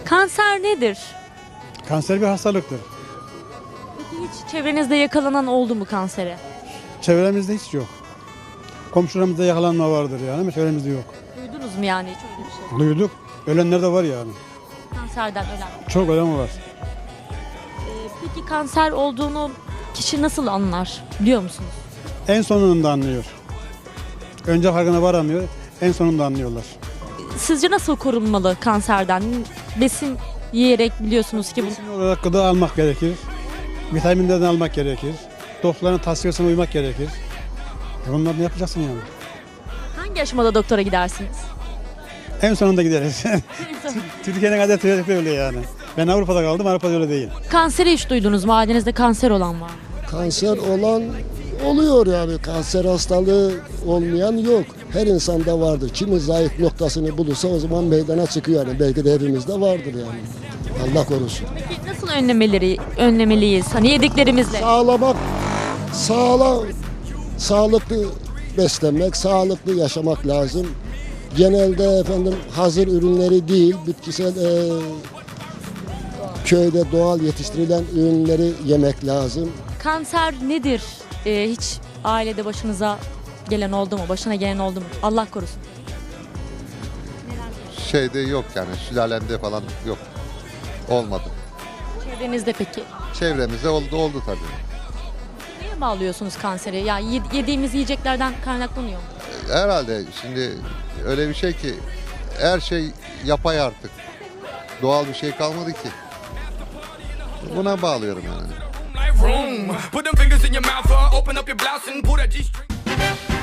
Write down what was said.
Kanser nedir? Kanser bir hastalıktır. Peki hiç çevrenizde yakalanan oldu mu kansere? Çevremizde hiç yok. Komşularımızda yakalanma vardır yani ama çevremizde yok. Duydunuz mu yani hiç öyle bir şey? Duyduk. Ölenler de var yani. Kanserden ölen. Çok ölen var. Peki kanser olduğunu kişi nasıl anlar biliyor musunuz? En sonunda anlıyor. Önce farkına varamıyor. En sonunda anlıyorlar. Sizce nasıl korunmalı kanserden? Besin yiyerek biliyorsunuz ki bu. Besin olarak gıda almak gerekir. Vitaminlerden almak gerekir. Doktorların tavsiyesine uymak gerekir. Bunları ne yapacaksın yani? Hangi aşamada doktora gidersiniz? En sonunda gideriz. Türkiye'nin adeti öyle yani. Ben Avrupa'da kaldım, Avrupa'da öyle değil. Kanseri hiç duydunuz mu? Ailenizde kanser olan var mı? Kanser olan oluyor yani. Kanser hastalığı olmayan yok. Her insanda vardır. Kimi zayıf noktasını bulursa o zaman meydana çıkıyor yani. Belki de hepimizde vardır yani. Allah korusun. Peki nasıl önlemeliyiz? Hani yediklerimizle. Sağlamak, sağlıklı beslenmek, sağlıklı yaşamak lazım. Genelde efendim hazır ürünleri değil, bitkisel köyde doğal yetiştirilen ürünleri yemek lazım. Kanser nedir? Hiç ailede başınıza gelen oldu mu? Başına gelen oldu mu? Allah korusun. Şeyde yok yani sülalemde falan yok. Olmadı. Çevrenizde peki? Çevremizde oldu tabii. Neye bağlıyorsunuz kanseri? Ya yediğimiz yiyeceklerden kaynaklanıyor mu? Herhalde şimdi öyle bir şey ki her şey yapay artık. Doğal bir şey kalmadı ki. Buna bağlıyorum yani. Like room. Put them fingers in your mouth, open up your blouse and pull that G-string.